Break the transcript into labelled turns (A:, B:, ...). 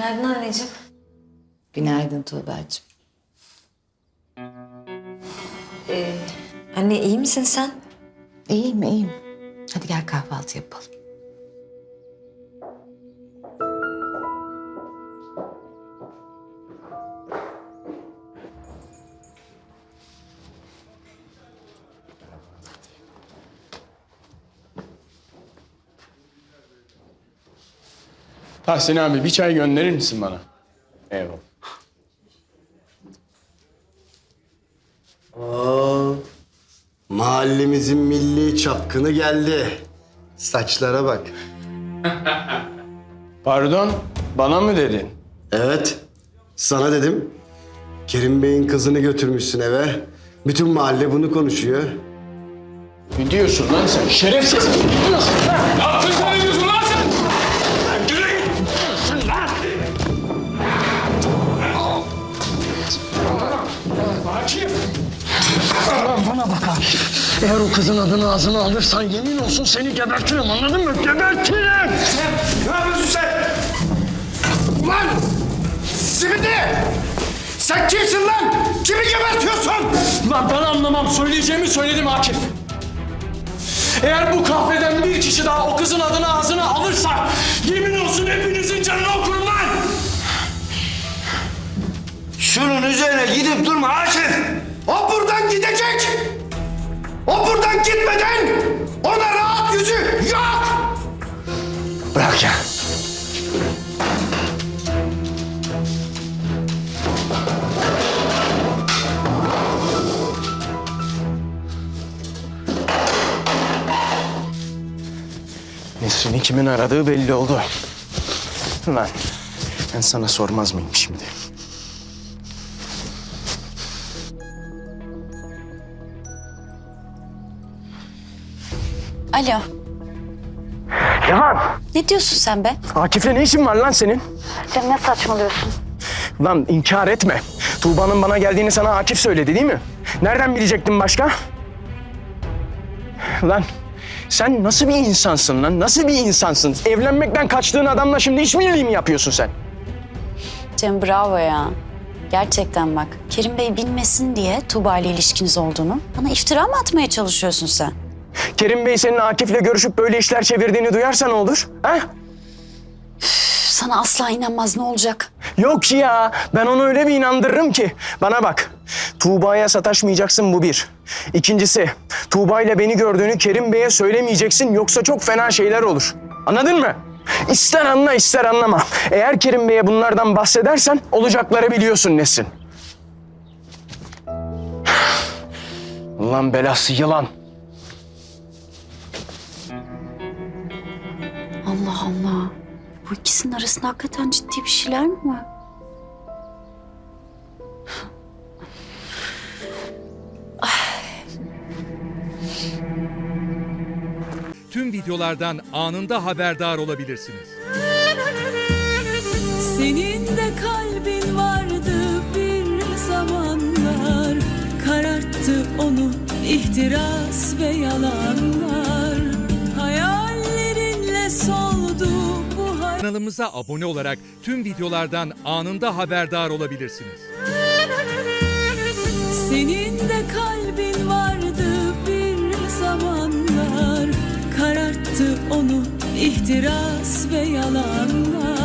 A: Günaydın anneciğim.
B: Günaydın Tuğba'cığım.
A: Anne iyi misin sen?
B: İyiyim, iyiyim. Hadi gel kahvaltı yapalım.
C: Tahsin abi bir çay gönderir misin bana? Eyvallah.
D: Mahallemizin milli çapkını geldi. Saçlara bak.
C: Pardon, bana mı dedin?
D: Evet, sana dedim. Kerim Bey'in kızını götürmüşsün eve. Bütün mahalle bunu konuşuyor.
C: Ne diyorsun lan sen? Şerefsiz! Ne diyorsun lan? Ne yapıyorsun? Ne diyorsun lan sen? Yürü git! Ne diyorsun lan? Akif!
E: Bana bak Akif. Eğer o kızın adını ağzına alırsan yemin olsun seni gebertirim, anladın mı? Gebertirim!
F: Ne yapıyorsun sen? Ulan! Simidi! Sen kimsin lan? Kimi gebertiyorsun?
E: Lan ben anlamam. Söyleyeceğimi söyledim Akif. Eğer bu kahveden bir kişi daha o kızın adını ağzına alırsa yemin olsun hepinizin canını okurum lan!
F: Şunun üzerine gidip durma Akif! O buradan gidecek! O buradan gitmeden ona rahat yüzü yok!
E: Bırak ya.
C: Nesrin'i kimin aradığı belli oldu. Lan ben sana sormaz mıyım şimdi?
G: Alo.
E: Yaman!
G: Ne diyorsun sen be?
E: Akif'le ne işin var lan senin?
G: Cem ne saçmalıyorsun?
E: Lan inkar etme. Tuğba'nın bana geldiğini sana Akif söyledi değil mi? Nereden bilecektin başka? Lan sen nasıl bir insansın lan? Nasıl bir insansın? Evlenmekten kaçtığın adamla şimdi işbirliği mi yapıyorsun sen?
G: Cem bravo ya. Gerçekten bak. Kerim Bey bilmesin diye Tuğba ile ilişkiniz olduğunu bana iftira mı atmaya çalışıyorsun sen?
E: Kerim Bey senin Akif'le görüşüp böyle işler çevirdiğini duyarsa ne olur? Ha?
G: Sana asla inanmaz, ne olacak?
E: Yok ya, ben onu öyle bir inandırırım ki. Bana bak, Tuğba'ya sataşmayacaksın, bu bir. İkincisi, Tuğba ile beni gördüğünü Kerim Bey'e söylemeyeceksin, yoksa çok fena şeyler olur. Anladın mı? İster anla, ister anlama. Eğer Kerim Bey'e bunlardan bahsedersen olacakları biliyorsun Nesrin. Ulan belası yılan.
G: Allah Allah. Bu ikisinin arasında hakikaten ciddi bir şeyler mi var?
H: Tüm videolardan anında haberdar olabilirsiniz.
I: Senin de kalbin vardı bir zamanlar, kararttı onu ihtiras ve yalanlar. Hayallerinle soldu bu
H: Kanalımıza abone olarak tüm videolardan anında haberdar olabilirsiniz.
I: Senin de kalbin vardı bir zamanlar, kararttı onu ihtiras ve yalanlar.